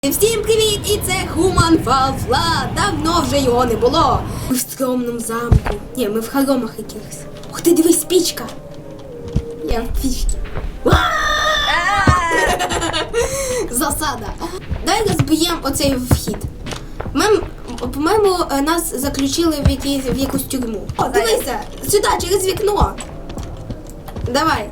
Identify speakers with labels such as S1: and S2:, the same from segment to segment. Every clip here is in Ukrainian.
S1: Всім привіт! І це Human Fall Flat. Давно вже його не було. Ми в скромному замку. Ні, ми в хоромах якихось. Ух ти, дивись, пічка. Я в пічці. Засада. Дай розб'ємо оцей вхід. По-моєму, нас заключили в якусь тюрму. О, дивися, сюди, через вікно. Давай.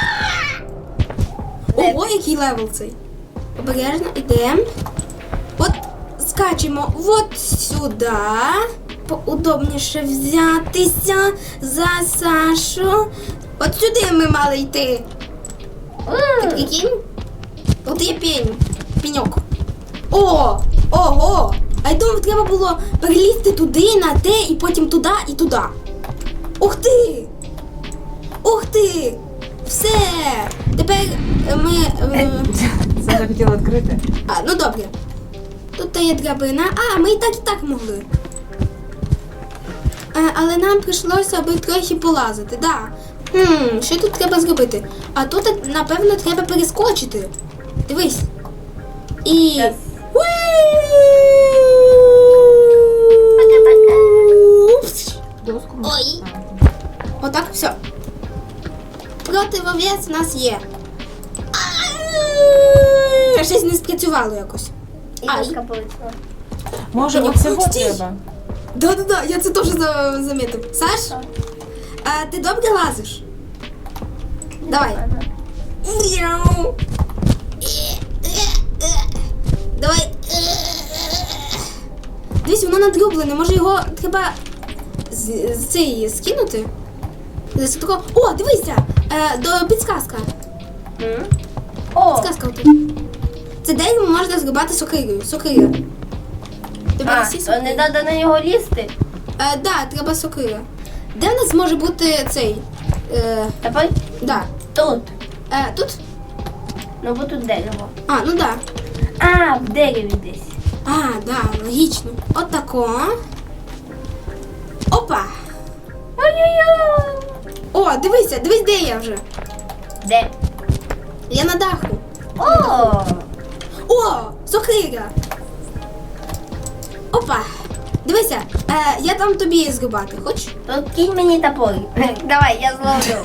S1: Ого, який левел цей. Обережно йдемо. От скачемо от сюди. Поудобніше взятися за Сашу. От сюди ми мали йти. Так, прикинь? От є пеньок. О! Ого! А я думав, треба було перелізти туди, на те, і потім туди і туди. Ух ти! Ух ти! Все! Тепер ми...
S2: Це захотіла відкрити.
S1: Ну добре. Тут є драбина. Ми і так могли. Але нам прийшлося аби трохи полазити, да. Що тут треба зробити? А тут, напевно, треба перескочити. Дивись. І...
S2: Yes. Доску.
S1: Ой. Отак, все. Противовес у нас є. Щось не спрацювало якось.
S3: І доска полетіла.
S2: Може,
S1: Ні,
S2: оцього
S1: стій.
S2: треба?
S1: Да, я це теж замітив. Саш, ти добре лазиш? Давай. Давай. Дивись, воно надрублене. Може його треба цей скинути? О, дивися! Підсказка.
S3: О,
S1: Підсказка отут. Це дерево можна зрубати сокирою. Сокира.
S3: то не треба на нього лізти.
S1: Да, треба сокира. Де в нас може бути цей?
S3: Давай
S1: Да.
S3: тут.
S1: Тут?
S3: Ну бо тут дерево.
S1: Ну да.
S3: В дереві десь.
S1: Да, логічно. От тако. Опа!
S3: Ой-ой-ой.
S1: О, дивись, де я вже.
S3: Де?
S1: Я на даху.
S3: О!
S1: Сокира! Опа! Дивися, я там тобі зрубати, хочеш?
S3: То кинь мені топор. Давай, я зловлю.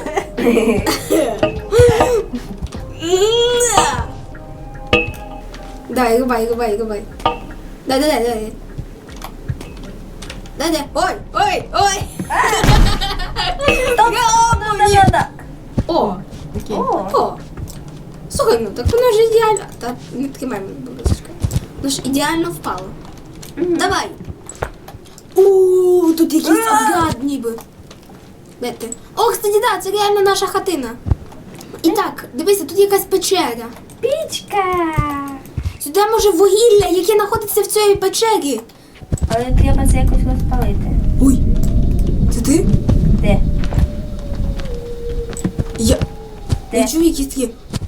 S1: Давай, рубай. Дай. Ой!
S3: Да.
S1: О!
S2: Окей.
S1: О! Слухай, ну так воно ж ідеально. Та не тримай мене, будь ласка. Воно ж ідеально впало. Давай! Тут якийсь гад ніби. Де ти? О, кстати, да, це реально наша хатина. І так, дивися, тут якась печера.
S3: Пічка.
S1: Сюди може вугілля, яке знаходиться в цій печері.
S3: Але треба це якось розпалити.
S1: Ой, це ти?
S3: Де?
S1: Я
S3: Де?
S1: чую якісь такі.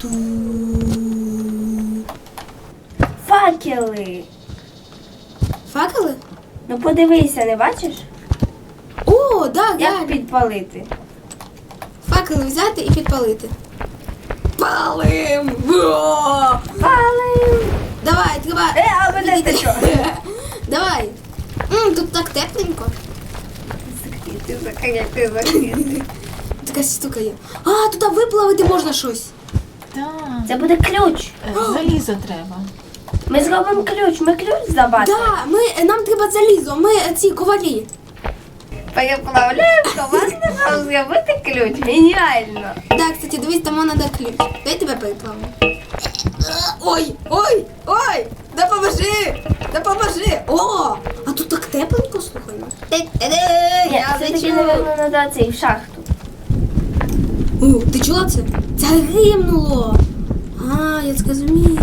S3: Факели.
S1: Факели?
S3: Ну подивися, не бачиш?
S1: О, да,
S3: Як
S1: реально.
S3: підпалити?
S1: Факели взяти і підпалити. Палим! Во!
S3: Палим.
S1: Давай, треба.
S3: А мене ти що?
S1: Давай. Тут так тепленько.
S3: Закрити.
S1: Така штука є. Туди виплавити можна щось.
S2: Так.
S3: Це буде ключ.
S2: Залізо треба.
S3: Ми зробимо ключ. Ми ключ забачимо.
S1: Да, нам треба залізо, ми ці ковалі.
S3: Переплавляємо команду, щоб зробити ключ. Геніально.
S1: Да, кстати, дивись, там вона да ключ. Дай тебе переплавлю. Ой! Допоможи! О! А тут так тепленько, слухай.
S3: Ні,
S1: Я
S3: все-таки,
S1: лечу.
S3: напевно, треба цей в шахту.
S1: Ти чула це? Це гримнуло. Я зрозумів.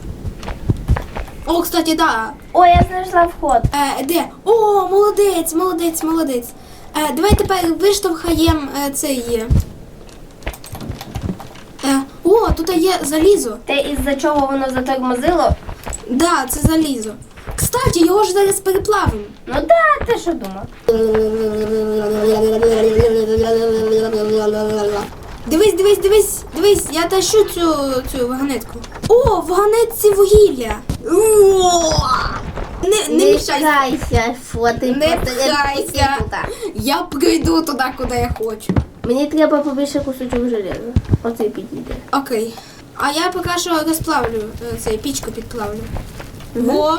S1: О, кстати, да.
S3: О, я знайшла вход.
S1: Де? О, молодець. Давай тепер виштовхаємо цей. О, тут є залізо.
S3: Те, із-за чого воно затормозило?
S1: Да, це залізо. Кстати, його ж зараз переплавимо.
S3: Ну да, ти що думав?
S1: Дивись, я тащу цю вагонетку. О, в вагонетці вугілля. Не мішайся.
S3: пхайся, що ти
S1: Не
S3: просто
S1: пхайся.
S3: туди.
S1: Я прийду туди, куди я хочу.
S3: Мені треба побільше кусочок железа. Оцей підійде.
S1: Окей. А я поки що розплавлю цей пічку підплавлю. Во.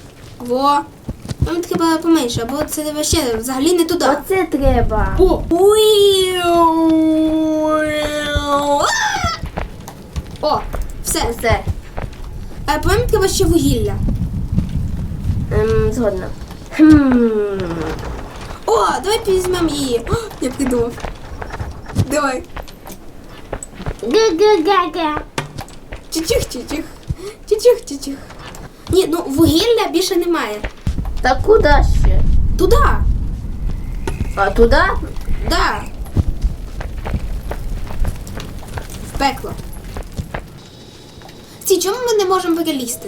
S1: Нам треба поменше, бо це вообще взагалі не туди.
S3: Оце треба.
S1: О! О, все.
S3: Все.
S1: По-моєму, треба ще вугілля.
S3: Згодна.
S1: О, давай візьмемо її. О, я придумав. Давай.
S3: Га-га-га-га.
S1: Чучих. Чучих. Ні, ну вугілля більше немає.
S3: Та куди ще?
S1: Туди.
S3: А туди?
S1: Да. В пекло. Чому ми не можемо перелізти?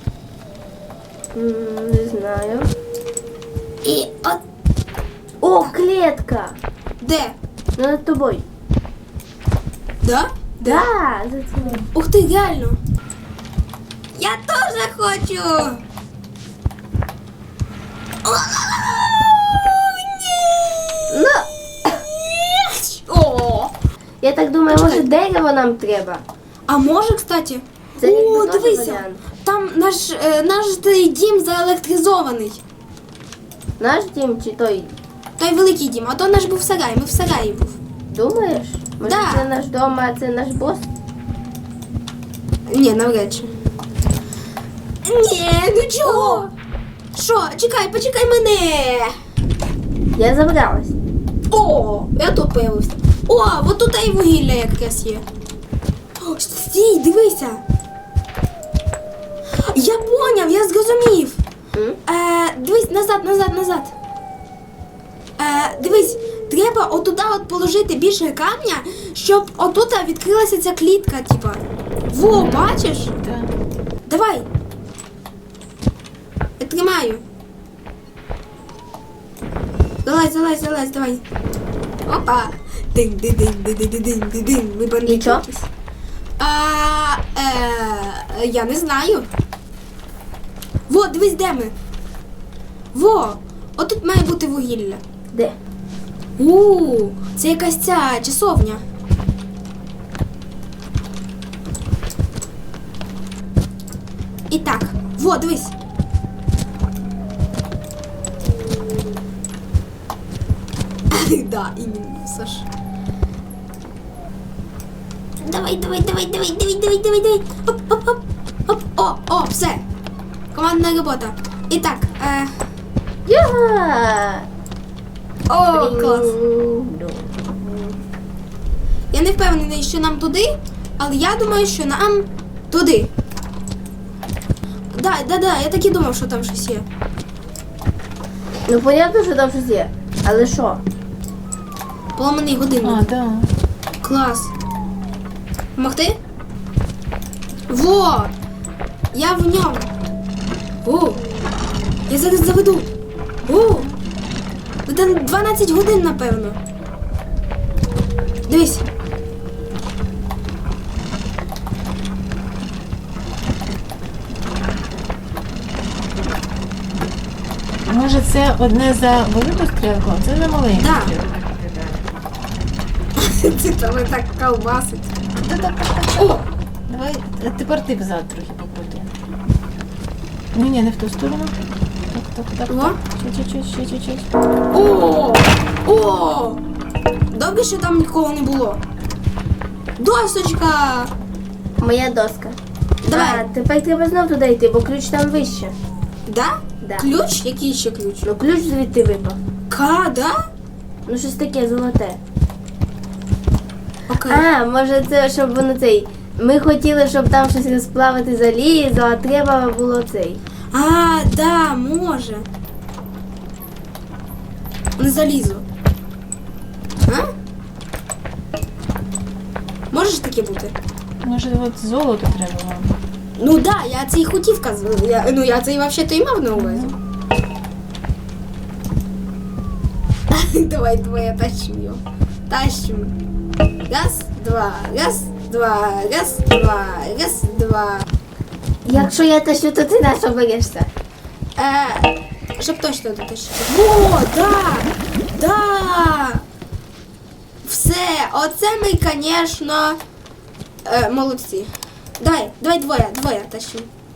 S3: Не знаю.
S1: І от
S3: О, клетка.
S1: де?
S3: Ну, над тобою.
S1: Да?
S3: Да, за цим.
S1: Ух ти, реально. Я теж хочу. О, ні.
S3: Ну,
S1: О.
S3: я так думаю, може дерево нам треба.
S1: А може, кстати?
S3: Це ніби
S1: О,
S3: теж
S1: дивися.
S3: варіант.
S1: Там наш той дім заелектризований.
S3: Наш дім чи той?
S1: Той великий дім, а то наш був сарай, ми в сараї був.
S3: Думаєш? Може
S1: Да.
S3: це наш дом, а це наш бос?
S1: Ні, навряд чи. Ні, ну чого? Що? Чекай, почекай мене.
S3: Я забралась.
S1: О, я тут появився. О, от тут і вугілля якраз є. О, стій, дивися. Я поняв, я зрозумів. Дивись, назад. Дивись, треба отуда от положити більше камня, щоб отут відкрилася ця клітка, типа. Во, бачиш?
S2: Так.
S1: Давай. Я тримаю. Залазь, давай. Опа. Дин. Ми бандити.
S3: І чо?
S1: якісь. Я не знаю. Во, дивись, де ми. Во, отут має бути вугілля.
S3: Де?
S1: Це якась ця часовня. І так, во, дивись. Да, іменно, Саш. Давай. Оп, все. Командна робота. І так,
S3: Я!
S1: о, клас. Я не впевнений, що нам туди, але я думаю, що нам туди. Да, я так і думав, що там щось є.
S3: Ну, понятно, що там щось є. Але що?
S1: Поламаний годинник.
S2: А, так.
S1: Клас. Помогти? Во! Я в ньому. О! Я зараз заведу. О! Ну, там 12 годин, напевно. Дивись.
S2: Може це одне за велику стрілку, а це за маленьку
S1: Да.
S2: стрілку.
S1: Це тебе так колбасить. О!
S2: Давай, тепер ти взад трохи покрути. Ні, не в ту сторону. Так.
S1: О.
S2: Чуть-чуть.
S1: О! Добре, що там нікого не було. Досочка!
S3: Моя доска.
S1: Давай.
S3: А, тепер треба знов туди йти, бо ключ там вище.
S1: Да?
S3: Да.
S1: Ключ? Який ще ключ?
S3: Ну, ключ звідти випав.
S1: Да?
S3: Ну, щось таке золоте.
S1: Окей.
S3: А, може це, щоб воно цей... Ми хотіли, щоб там щось розплавити залізо, а треба було цей.
S1: Да, може. Не залізу. А? Може ж таке бути?
S2: Може от золото треба вам.
S1: Ну да, я це і хотів казати. Я це і взагалі-то і мав на увазі. Давай, я тащу його. Тащу. Раз, два.
S3: Якщо я тащу, то ти на що берешся?
S1: Щоб точно дотащити. О, да! Да! Все, оце ми, звісно, молодці. Давай двоє тащи.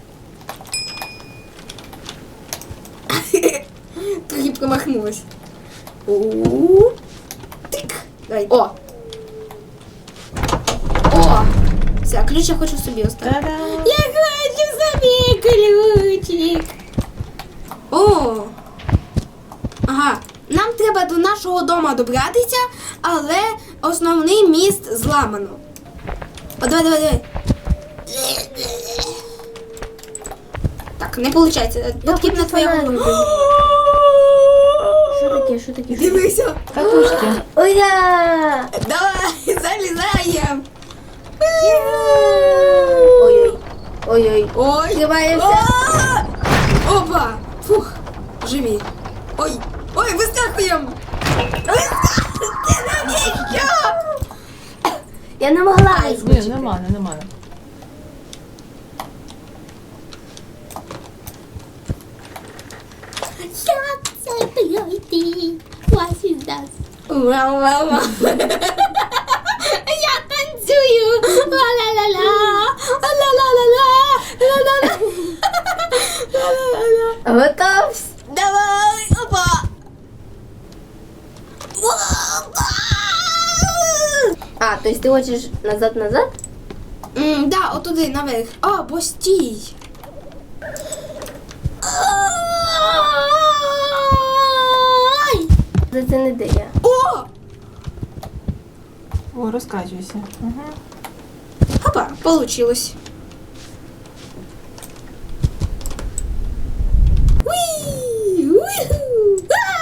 S1: Трохи промахнулась. Тик. Давай. О! Все, ключ я хочу собі оставити.
S2: Та-дам!
S1: Я хочу собі ключик. О! Ага. Нам треба до нашого дому добратися, але основний міст зламано. О, давай. Так, не виходить. Потрібна твоя голова.
S3: Що таке?
S1: Дивися.
S2: Катушки.
S3: Ура!
S1: Давай, залізаємо.
S3: Ой-ой.
S1: Ой.
S3: Тримаємося.
S1: Опа. Фух. Живі. Ой, вискакуємо. Ти навіщо?
S3: Я не могла
S2: Ні,
S3: вискочити.
S2: нормально.
S1: Як це пройти? What is that? Вау. Я танцюю. Ла-ла-ла-ла. Ла-ла-ла-ла. Ла-ла-ла. Ла-ла-ла-ла.
S3: Готов?
S1: Давай. Опа.
S3: А, то есть ти хочеш назад?
S1: Да, отуди, наверх. А, бо стій. Ай!
S3: Це не де я.
S1: О!
S2: О, розкачуйся. Угу.
S1: Опа, получилось. Уи! Уху!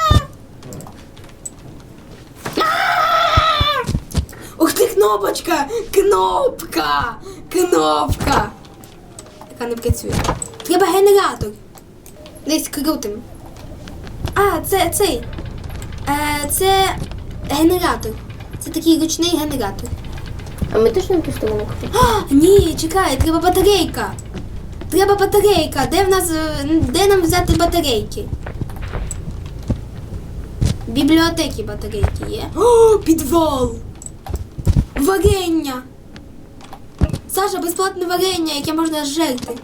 S1: А! Ух ти, кнопочка! Кнопка! Яка не працює. Треба генератор. Десь крутим. А, це цей. Це генератор. Це такий ручний генератор.
S3: А ми точно в ту сторону хочемо?
S1: А, ні, чекай, треба батарейка. Де нам взяти батарейки? В бібліотеці батарейки є. О, підвал! Варення! Саша, безплатне варення, яке можна зжерти.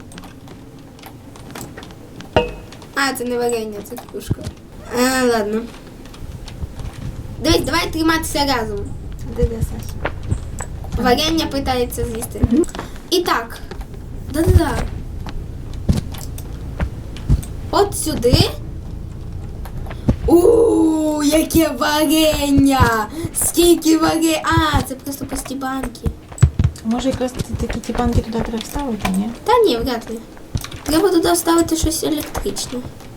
S1: А, це не варення, це кружка. Ладно. Дивись, давай триматися разом.
S2: Де Саш?
S1: Варення питається з'їсти. І так. Да-да-да. От сюди. Яке варення! Скільки варення! А, це просто пусті банки.
S2: Може якраз такі ті банки туди треба вставити, ні?
S1: Та ні, вряд ли. Треба туди вставити щось електричне.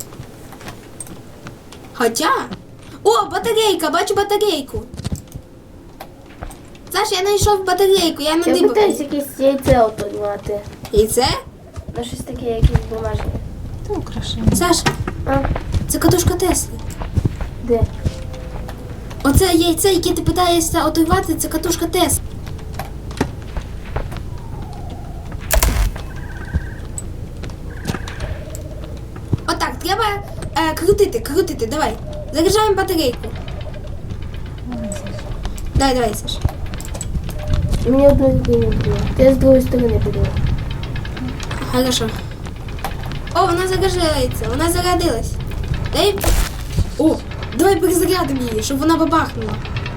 S1: Хоча... О, батарейка! Бачу батарейку! Саш, я знайшов батарейку, я
S3: Я
S1: надибав.
S3: питаюсь якесь яйце отримати.
S1: І це?
S3: Ну щось таке, якісь бумажні.
S2: Це украшення.
S1: Саш,
S3: А,
S1: це катушка Тесли.
S3: де?
S1: Оце яйце, яке ти питаєшся отривати, це катушка Тесли. Отак, треба крутити, давай. Заряджаємо батарейку. Давай, Саш.
S3: Мені одної не було. Я з другої сторони буду.
S1: Хорошо. О, вона зарядилась. Дай. О, давай перезарядимо її, щоб вона бабахнула.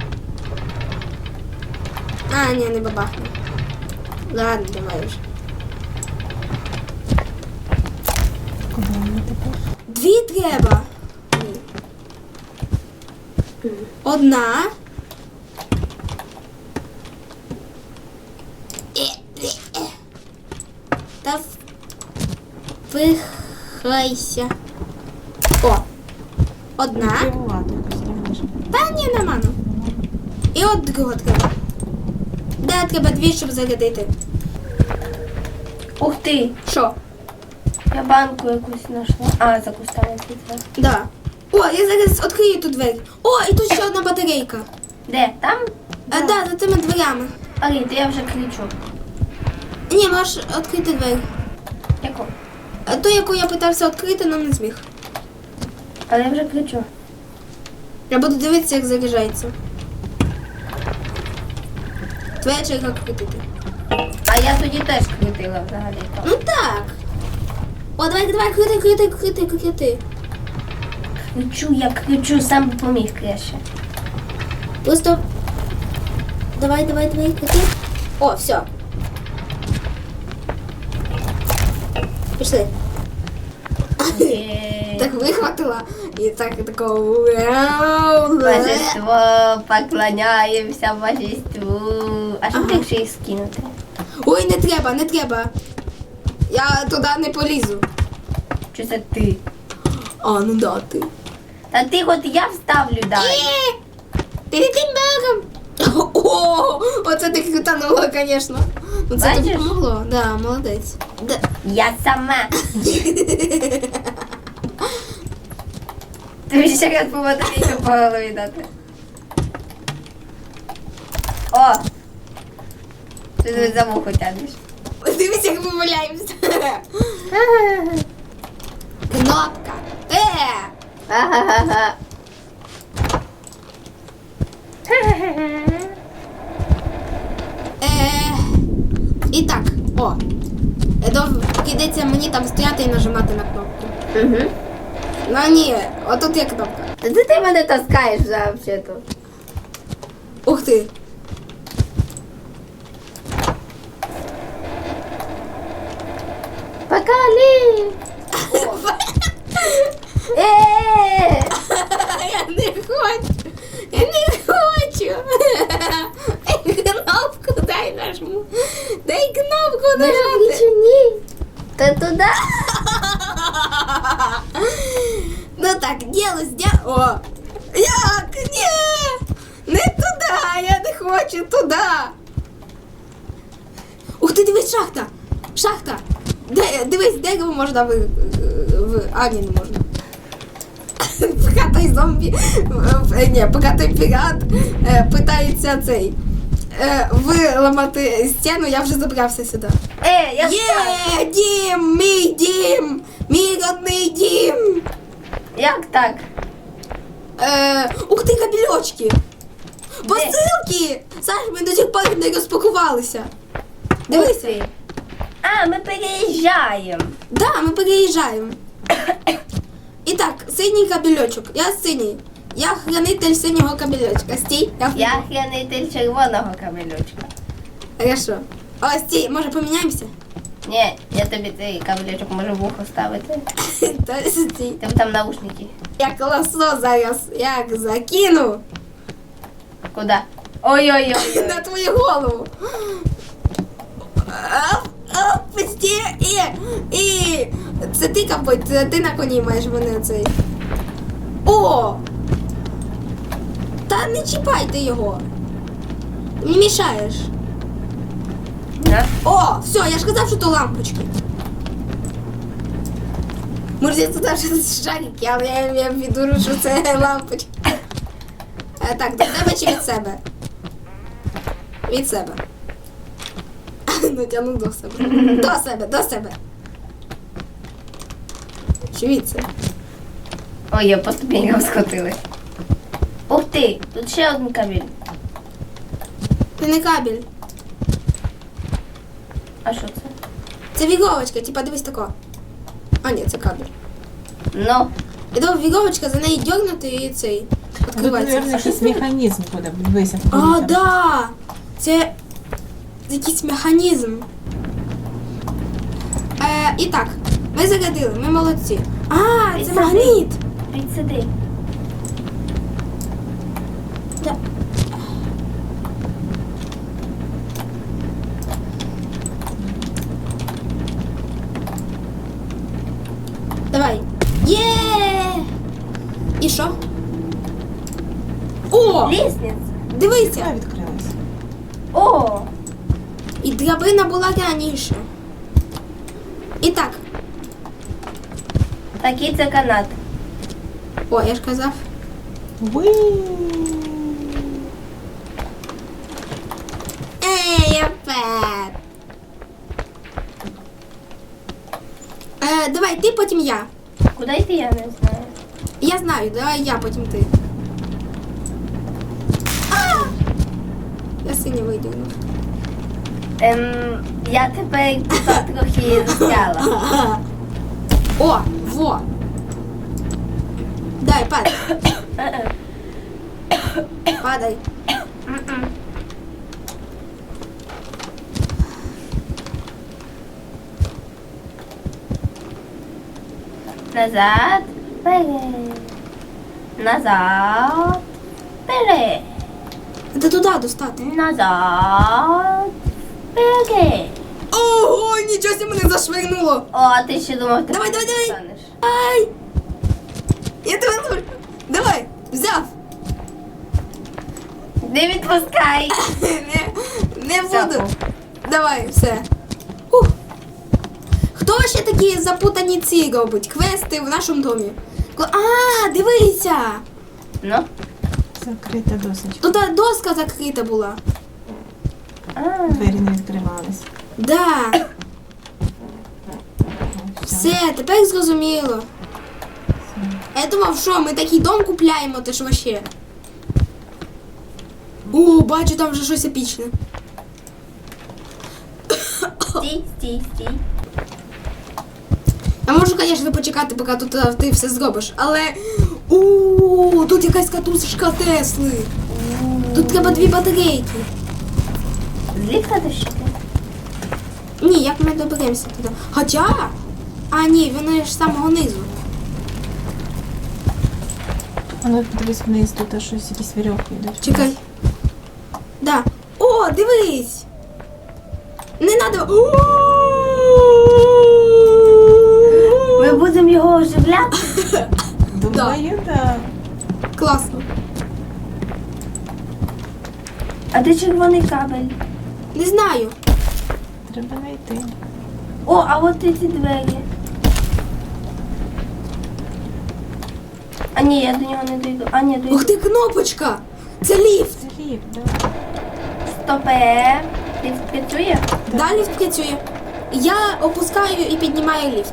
S1: А, ні, не бабахнула. Ладно, давай вже.
S2: Куди вона тепер?
S1: Дві треба. Одна. Та вихайся. О. Одна.
S2: Кривувати якось раніше.
S1: Та ні, нормально. І от другого треба. Да, треба дві, щоб зарядити.
S3: Ух ти!
S1: Що?
S3: Я банку якусь знайшла. А, за кустами світла.
S1: Да. О, я зараз відкрию ту двері. О, і тут ще одна батарейка.
S3: Де? Там?
S1: Да, за цими дверями.
S3: Алін, то я вже кричу.
S1: Ні, можеш відкрити двері.
S3: Яку?
S1: А ту, яку я питався відкрити, але не зміг.
S3: Але я вже кричу.
S1: Я буду дивитися, як заряджається. Твоя черга крутити.
S3: А я тоді теж крутила взагалі.
S1: Ну так. О, давай, крути.
S3: Я кричу, сам би поміг краще.
S1: Просто. Давай, крути. О, все. Пішли.
S3: Окей.
S1: Так вихватила. І так такого. вау, да.
S3: Божество, поклоняємося божеству. А що якщо їх скинути?
S1: Ой, не треба. Я туди не полізу.
S3: Чи це ти?
S1: А, ну да, ти.
S3: Та ти от я вставлю дай.
S1: Перед тим бегом. О, оце ти крутанула, звісно. Ну це тобі
S3: Бачиш?
S1: помогло. Да, молодець. Да.
S3: Я сама. Тобі ще раз по батарейку по голові дати. О! Ти тут за вухо тягнеш.
S1: Дивись, як помиляємося. Кнопка.
S3: Ага-га-га.
S1: І так, Прийдеться мені там стояти і нажимати на кнопку.
S3: Угу.
S1: Ну ні, отут є кнопка.
S3: Та ти мене таскаєш взагалі-то.
S1: Ух ти.
S3: Покали!
S1: Я не хочу. Кнопку дай нажму. Дай кнопку нажати.
S3: ні. Та туди.
S1: Ну так, О! Як? Ні! Не туди! Я не хочу туди! Ух ти, дивись, шахта! Шахта! Дивись, дерево можна А, ні, не можна. Поки той зомбі... Ні, поки той пірат питається виламати стіну, я вже забрався сюди.
S3: Я
S1: Є! Дім! Мій дім! Мій родний дім!
S3: Як так?
S1: Ух ти, кабельочки! Посилки! Саш, ми до сих пор не розпакувалися. Дивися.
S3: А, ми переїжджаємо.
S1: Да, ми переїжджаємо. І так, синій кабельочок. Я синій. Я хранитель синього кабельочка. Стій.
S3: Я хранитель червоного камельочка.
S1: Хорошо. О, стій, може поміняємося?
S3: Ні, я тобі цей кабельочок можу в ухо ставити.
S1: Та стій.
S3: Тебе там наушники.
S1: Я колосо зараз як закину
S3: Куди? Ой-ой-ой.
S1: на твою голову. Стій. І це ти, ковбой, це ти на коні маєш мене цей. О! Та не чіпайте його. Ти мені мішаєш.
S3: На.
S1: О, все, я ж казав, що то лампочки. Може, я туди щось шарики, але я відурю, що це лампочки. Так, до тебе чи від себе? Від себе. Натягну до себе. До себе. Чи від себе?
S3: Ой, я по ступенькам схотили. Ух ти, тут ще один кабель.
S1: Це не кабель.
S3: А що це?
S1: Це віговочка, типа дивись тако. А, ні, це кабель.
S3: Ну,
S1: І то віговочка, за неї дьогнути і цей.
S2: Тут,
S1: Відкривається.
S2: мабуть, якийсь механізм буде. Дивися.
S1: А, да! Це якийсь механізм. І так, ми зарядили, ми молодці. А, це
S3: Підсади.
S1: магніт!
S3: підсиди.
S1: Да. Давай. Є! І що? О!
S3: Лісниця.
S1: Дивися!
S2: Ця відкрилась.
S3: О,
S1: І драбина була раніше. І так.
S3: такий це канат.
S1: О, я ж казав.
S2: Уи!
S1: Ей, я пет. Давай, ти, потім я.
S3: Куди йти, я не знаю.
S1: Я знаю, давай я, потім ти. А! Я синя видягнув.
S3: Я тепер тут трохи застряла.
S1: О, во. Дай, падай. Падай.
S3: Назад, вперед. Назад, вперед.
S1: Це туди достати.
S3: Назад, вперед.
S1: Ого, нічого себе мене зашвирнуло.
S3: О, а ти ще думав, ти
S1: Давай, давай, давай.
S3: станеш.
S1: Ай! Я тебе ловлю. Давай, взяв.
S3: Не відпускай.
S1: Не
S3: Взяв.
S1: буду. Давай, все. Ух. Хто ще такі запутані ці робить? Квести в нашому домі. А, дивися.
S3: Ну?
S2: Закрита досочка.
S1: Тут доска закрита була.
S3: А,
S2: Двері не відкривались.
S1: Да. Все, тепер зрозуміло. Я думав, що ми такий дом купляємо, ти ж вообще. О, бачу, там вже щось епічне.
S3: стій, стій, стій.
S1: Я можу, звісно, почекати, поки тут ти все зробиш, але... Тут якась катушечка Тесли. Тут треба 2 батарейки.
S3: З ліфта дощити?
S1: Ні, як ми доберемося туди? Хоча... А, ні, вони ж з самого низу.
S2: А ну подивись вниз, тут щось, якісь вірьовки йдуть.
S1: Чекай. Да. О, дивись! Не надо.
S3: Ми будемо його оживляти?
S2: Думаю, так.
S1: Класно.
S3: А де червоний кабель?
S1: Не знаю.
S2: Треба знайти.
S3: О, а от ці двері. А ні, я до нього не дойду. А ні, дойду.
S1: Ух ти, кнопочка! Це ліфт.
S2: Це ліп, так.
S3: Стопе. Ліфт працює?
S1: Да, ліфт працює. Я опускаю і піднімаю ліфт.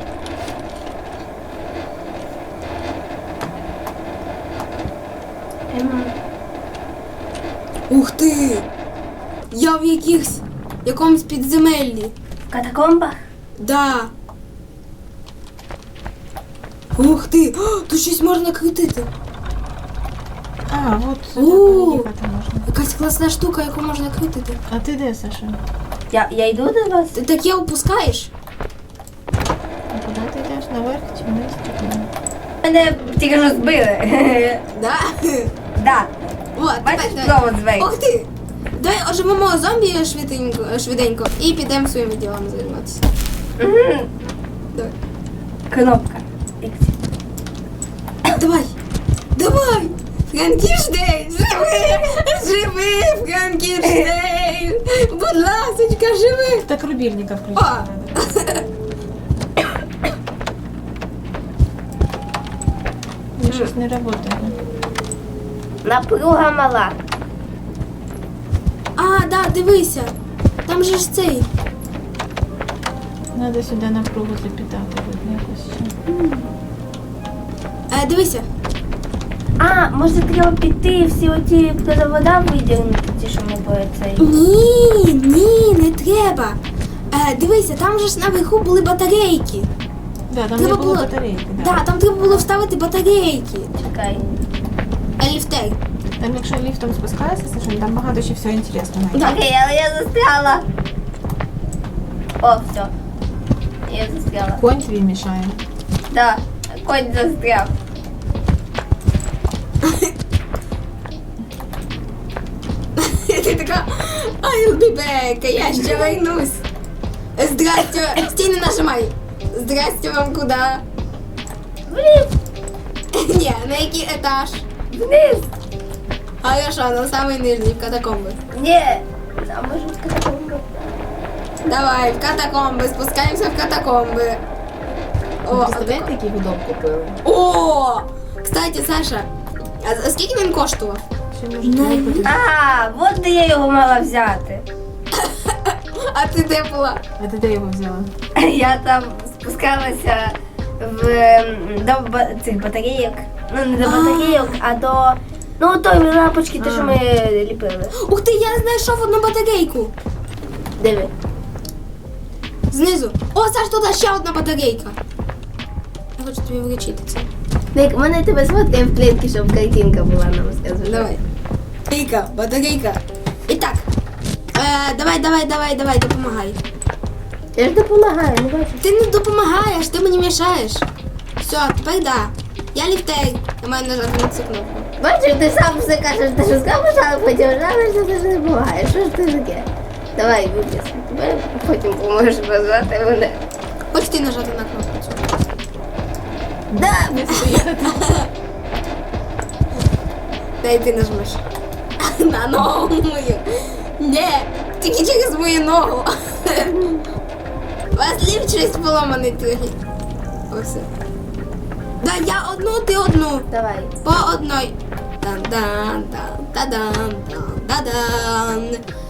S1: Ух ти! Я в якомусь підземеллі.
S3: В катакомбах?
S1: Да. Ух ти! О, тут щось можна крутити.
S2: А, от сюди
S1: О!
S2: поїхати можна.
S1: Якась класна штука, яку можна крутити.
S2: А ти де, Саша?
S3: Я йду до вас?
S1: Ти таке опускаєш?
S2: А куди ти йдеш? Наверх чи вниз? Чи куди?
S3: Мене тільки що збили.
S1: Да?
S3: Да.
S1: Вот,
S3: Бачиш,
S1: тепер-
S3: знову звей.
S1: Ух ти! Давай оживемо зомбі швиденько і підемо своїми ділами займатися.
S3: Угу.
S1: Давай.
S3: Кнопка. Ікс.
S1: Давай! Давай! Франкенштейн! Живи! Живи, Франкенштейн! Будь ласочка, живи!
S2: Так рубільника
S1: О!
S2: включити треба. Ні, щось не працює.
S3: Напруга мала.
S1: А, да, дивися! Там же ж цей.
S2: Треба сюди напругу запитати, видно якось ще.
S1: Дивися.
S3: А, може треба піти всі оті вода видягнути, ті, що ми по цей.
S1: Ні, не треба. Дивися, там же ж наверху були батарейки.
S2: Да, там
S1: Треба
S2: не було
S1: було-
S2: батарейки.
S1: Да, там треба було вставити батарейки.
S3: Чекай.
S1: Ліфтей.
S2: Там якщо ліфтом спускаєшся, Саша, там багато ще всього інтересного.
S1: Да.
S3: Окей, але я застряла. О, все. Я застряла.
S2: Конь твій мішає.
S3: Да, конь застряв.
S1: Ти така, I'll be back, я ще вернусь. Здрасте, стій не нажимай. Здрасте вам куди?
S3: Вниз,
S1: Ні, на який етаж?
S3: вниз.
S1: Хорошо, на самий нижній, в катакомби.
S3: Ні. А може в катакомбах?
S1: Давай, в катакомби, спускаємося в катакомби. О,
S2: Представляєте, який гудок купили?
S1: О! Кстати, Саша, а скільки він коштував?
S2: Ще може
S1: Не.
S2: купити.
S3: А, от де я його мала взяти.
S1: А ти де була?
S2: А ти де його взяла?
S3: Я там спускалася до цих батарейок. Ну, не до батарейок, а до. Ну, той лампочки, те, що ми ліпили.
S1: Ух ти, я знайшов одну батарейку.
S3: Диви.
S1: Знизу. О, Саш, тут ще одна батарейка. Я хочу тобі вручити це.
S3: Ник, мене тебе сфоткає в клітки, щоб картинка була нам сказати.
S1: Давай. Батарейка. І так. Давай, допомагай.
S3: Я ж допомагаю, не бачу.
S1: Ти не допомагаєш, ти мені мішаєш. Все, тепер да. Я ліфтер. Я маю нажати на цю кнопку.
S3: Бачиш, ти сам все кажеш, ти що скажеш, але потім жалуєшся, ти ж не допомагаєш. Що ж ти таке? Давай, Гудіс, тебе потім поможеш позвати мене.
S1: Хоч ти нажати на кнопку цю.
S3: Да!
S1: Дай ти нажмеш. На ногу мою. Ні, тільки через мою ногу. У вас ліфт щось поломаний трохи. Ось. Да, я одну, ти одну.
S3: Давай.
S1: По одной. Дан-дан-дан-дан-дан-дан.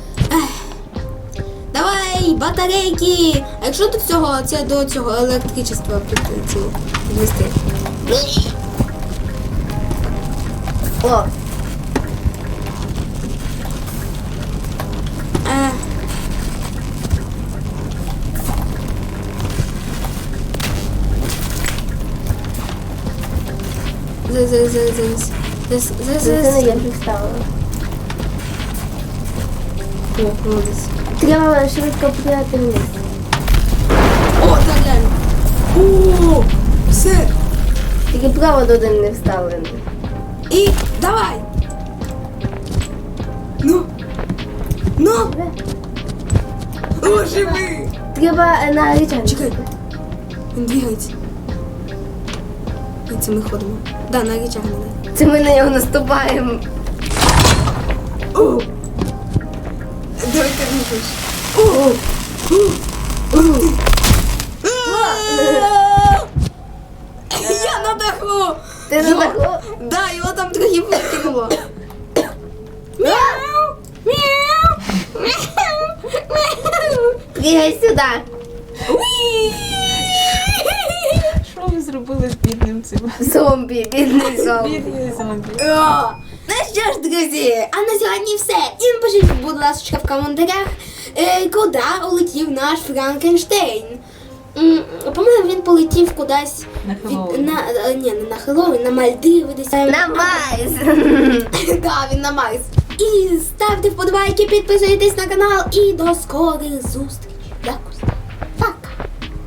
S1: Давай, батарейки. А якщо до цього, це до цього електричества підвести?
S3: О,
S1: Зараз.
S3: це я вже вставила.
S1: О, молодець.
S3: Треба швидко підняти вниз.
S1: О, так реально. О, все.
S3: Тільки провод один не вставлений.
S1: І давай. Ну. О, живи.
S3: Треба на речах.
S1: Чекай. Він двигається. І це ми ходимо. Да, на речах не.
S3: Це ми на нього наступаємо.
S1: О! Давай ти рухаєш. О! Я на даху!
S3: Ти на даху?
S1: Да, його там трохи викинуло. Мяу! Мяу! Мяу! Мяу!
S3: Пригай сюди.
S1: Уі!
S2: Що ви зробили з бідним цим?
S3: Зомбі, бідний зомбі.
S2: Бідний зомбі.
S1: О! Ну що ж, друзі, а на сьогодні все. І напишіть, будь ласка, в коментарях, куди улетів наш Франкенштейн. По-моєму, він полетів кудись
S2: На Хеллоуін.
S1: ні, не на Хеллоуін, на Мальдиви десь.
S3: На Марс.
S1: Так, він на Марс. І ставте вподобайки, підписуйтесь на канал і до скорих зустрічей. Дякую.